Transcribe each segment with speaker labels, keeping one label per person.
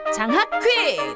Speaker 1: 장학 퀴즈!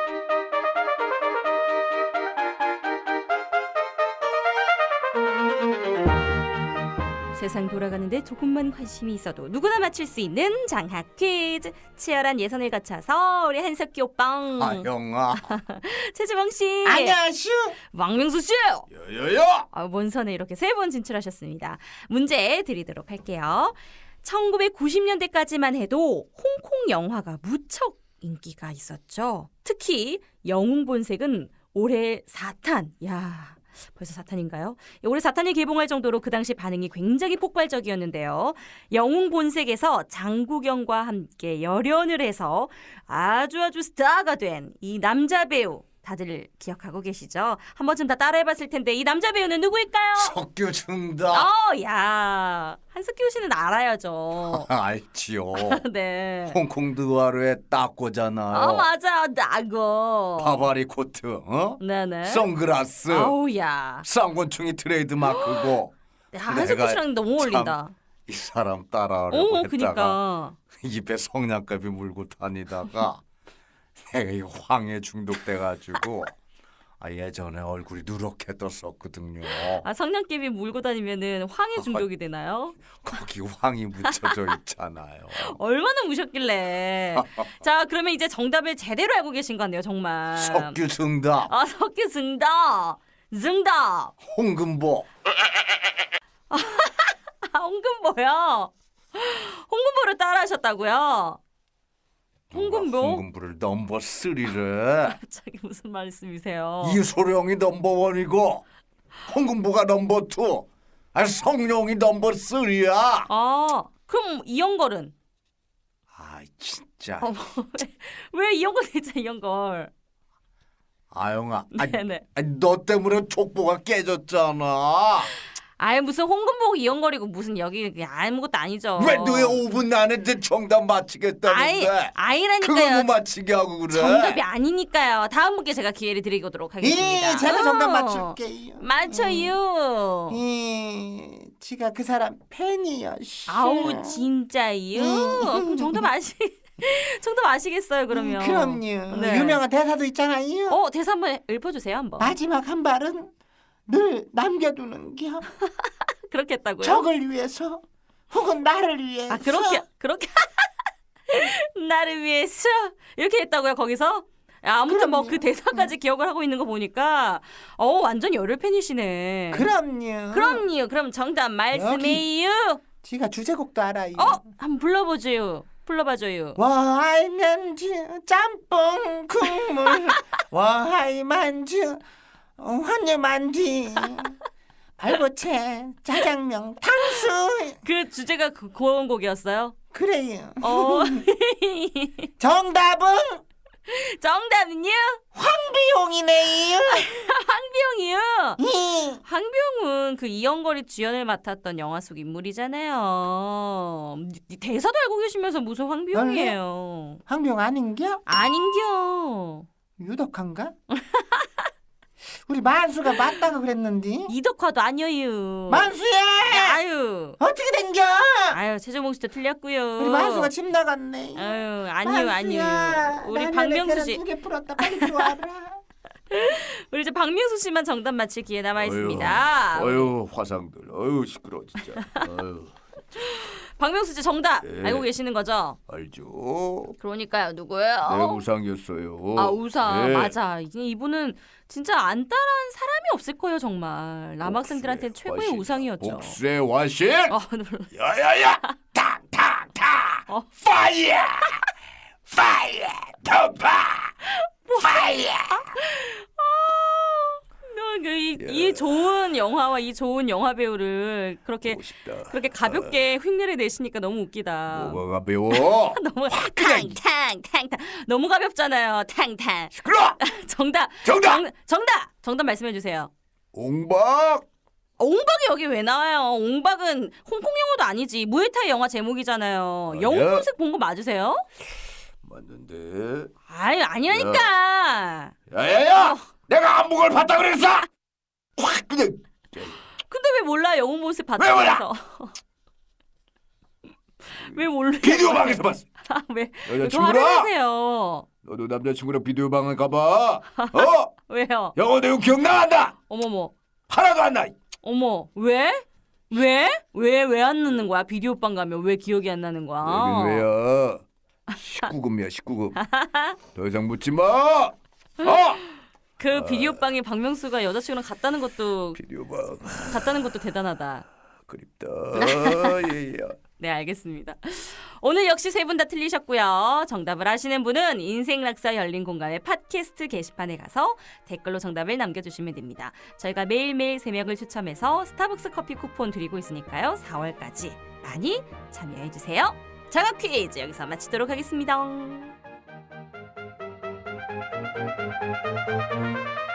Speaker 1: 세상 돌아가는데 조금만 관심이 있어도 누구나 맞출 수 있는 장학 퀴즈. 치열한 예선을 거쳐서 우리 한석기 오빠,
Speaker 2: 형아.
Speaker 1: 최지봉 씨,
Speaker 2: 안녕하슈.
Speaker 1: 왕명수 씨,
Speaker 2: 여여여.
Speaker 1: 본선에 이렇게 3번 진출하셨습니다. 문제 드리도록 할게요. 1990년대까지만 해도 홍콩 영화가 무척 인기가 있었죠. 특히 영웅본색은 올해 4탄. 야, 벌써 4탄인가요? 올해 4탄이 개봉할 정도로 그 당시 반응이 굉장히 폭발적이었는데요. 영웅본색에서 장국영과 함께 열연을 해서 아주 스타가 된 이 남자 배우, 다들 기억하고 계시죠? 한 번쯤 다 따라해봤을 텐데 이 남자 배우는 누구일까요?
Speaker 2: 석규준다.
Speaker 1: 야, 한석규 씨는 알아야죠.
Speaker 2: 알지요.
Speaker 1: 네.
Speaker 2: 홍콩 드와르에 닦고잖아요.
Speaker 1: 맞아, 나고.
Speaker 2: 바바리 코트,
Speaker 1: 네네.
Speaker 2: 선글라스,
Speaker 1: 아우야.
Speaker 2: 쌍권충이 트레이드 마크고.
Speaker 1: 야, 한석규 씨랑 너무 어울린다.
Speaker 2: 이 사람 따라하려고 했다가
Speaker 1: 그니까.
Speaker 2: 입에 성냥갑이 물고 다니다가 내가 이 황에 중독돼가지고 예전에 얼굴이 누렇게 떴었거든요.
Speaker 1: 성냥개비 물고 다니면은 황해 중독이 되나요?
Speaker 2: 거기 황이 묻혀져 있잖아요.
Speaker 1: 얼마나 무셨길래. 자, 그러면 이제 정답을 제대로 알고 계신 거 같네요, 정말.
Speaker 2: 석규 승답.
Speaker 1: 석규 승답. 승답.
Speaker 2: 홍금보.
Speaker 1: 홍금보요. 홍금보를 따라하셨다고요? 홍금보?
Speaker 2: 홍금보를 넘버 3를.
Speaker 1: 갑자기 무슨 말씀이세요?
Speaker 2: 이소룡이 넘버 1이고 홍금보가 넘버 2. 성룡이 넘버 3야.
Speaker 1: 그럼 이영걸은?
Speaker 2: 진짜.
Speaker 1: 왜 이영걸 진짜 이영걸?
Speaker 2: 아영아.
Speaker 1: 네네.
Speaker 2: 너 때문에 족보가 깨졌잖아.
Speaker 1: 무슨 홍금보고 이영걸이고 무슨 여기 그냥 아무것도 아니죠.
Speaker 2: 왜 너의 5분 안에 내 정답 맞히겠다는데?
Speaker 1: 아니라니까요.
Speaker 2: 그걸 못 맞히게 하고 그래.
Speaker 1: 정답이 아니니까요. 다음 분께 제가 기회를 드리도록 하겠습니다.
Speaker 3: 제가 정답 맞출게요.
Speaker 1: 맞춰요.
Speaker 3: 지가 그 사람 팬이요.
Speaker 1: 아우 진짜요? 그럼 정답 아시겠어요 그러면?
Speaker 3: 그럼요.
Speaker 1: 네.
Speaker 3: 유명한 대사도 있잖아요.
Speaker 1: 대사 한번 읊어주세요 한번.
Speaker 3: 마지막 한 발은 늘 남겨두는겨.
Speaker 1: 그렇게 했다고요?
Speaker 3: 적을 위해서 혹은 나를 위해서.
Speaker 1: 그렇게 나를 위해서 이렇게 했다고요 거기서? 아무튼 뭐 그 대사까지 기억을 하고 있는 거 보니까 완전 열혈 팬이시네.
Speaker 3: 그럼요.
Speaker 1: 그럼 정답 말씀해요.
Speaker 3: 지가 주제곡도 알아요.
Speaker 1: 한번 불러봐줘요.
Speaker 3: 와이면주 짬뽕 국물 와이만주 환유만두 발보채 짜장면 탕수.
Speaker 1: 그 주제가 그런 곡이었어요?
Speaker 3: 그래요.
Speaker 1: 정답은요?
Speaker 3: 황비용이네요.
Speaker 1: 황비용이요? 황비용은 그 이영걸이 주연을 맡았던 영화 속 인물이잖아요. 대사도 알고 계시면서 무슨 황비용이에요?
Speaker 3: 황비용 아닌겨?
Speaker 1: 아닌겨.
Speaker 3: 유덕한가? 우리 만수가 맞다고 그랬는데.
Speaker 1: 이덕화도 아니에요.
Speaker 3: 만수야!
Speaker 1: 아유.
Speaker 3: 어떻게 된겨?
Speaker 1: 최종봉 씨도 틀렸고요.
Speaker 3: 우리 만수가 집 나갔네.
Speaker 1: 아니요. 우리 박명수 씨.
Speaker 3: 2개 풀었다. 빨리 들어와라.
Speaker 1: 우리 이제 박명수 씨만 정답 맞힐 기회 남아 있습니다.
Speaker 2: 화상들. 시끄러워 진짜.
Speaker 1: 박명수 씨 정답
Speaker 2: 네.
Speaker 1: 알고 계시는 거죠?
Speaker 2: 알죠.
Speaker 1: 그러니까요. 누구예요?
Speaker 2: 내 우상이었어요.
Speaker 1: 우상.
Speaker 2: 네.
Speaker 1: 맞아. 이분은 진짜 안 따라한 사람이 없을 거예요, 정말. 남학생들한테 최고의 우상이었죠.
Speaker 2: 복수의 화신.
Speaker 1: 놀라.
Speaker 2: 야야야. 탁탁탁. 파이어. 덤파. 파이어.
Speaker 1: 이 좋은 영화와 이 좋은 영화 배우를 그렇게 가볍게 흉내를 내시니까 너무 웃기다.
Speaker 2: 뭐가 가벼워?
Speaker 1: 너무 탕탕 너무 가볍잖아요. 탕탕.
Speaker 2: 시끄러.
Speaker 1: 정답 말씀해 주세요.
Speaker 2: 옹박.
Speaker 1: 옹박이 여기 왜 나와요? 옹박은 홍콩 영화도 아니지. 무에타이 영화 제목이잖아요.
Speaker 2: 아니야.
Speaker 1: 영웅본색 본 거 맞으세요?
Speaker 2: 맞는데.
Speaker 1: 아니라니까.
Speaker 2: 야야야. 내가 안목을 봤다 그랬어. 확 그냥.
Speaker 1: 근데 왜 몰라? 영웅본색
Speaker 2: 왜 몰라?
Speaker 1: 봤다면서. 왜 몰라?
Speaker 2: 비디오 방에서 봤어.
Speaker 1: 왜 화를
Speaker 2: 여자친구랑
Speaker 1: 내세요?
Speaker 2: 너도 남자친구랑 비디오 방을 가봐. 어?
Speaker 1: 왜요?
Speaker 2: 영어 내용 기억나 안 나?
Speaker 1: 어머머.
Speaker 2: 하나도 안 나.
Speaker 1: 어머. 왜? 왜 안 넣는 거야? 비디오방 가면 왜 기억이 안 나는 거야?
Speaker 2: 여긴 왜야? 19금이야 19금. 더 이상 묻지 마.
Speaker 1: 그 비디오방에 박명수가 여자친구랑 갔다는 것도
Speaker 2: 비디오방
Speaker 1: 대단하다.
Speaker 2: 그립다. 예예.
Speaker 1: 네, 알겠습니다. 오늘 역시 세 분 다 틀리셨고요. 정답을 아시는 분은 인생락사 열린 공감의 팟캐스트 게시판에 가서 댓글로 정답을 남겨주시면 됩니다. 저희가 매일매일 3명을 추첨해서 스타벅스 커피 쿠폰 드리고 있으니까요. 4월까지 많이 참여해주세요. 장학 퀴즈 여기서 마치도록 하겠습니다.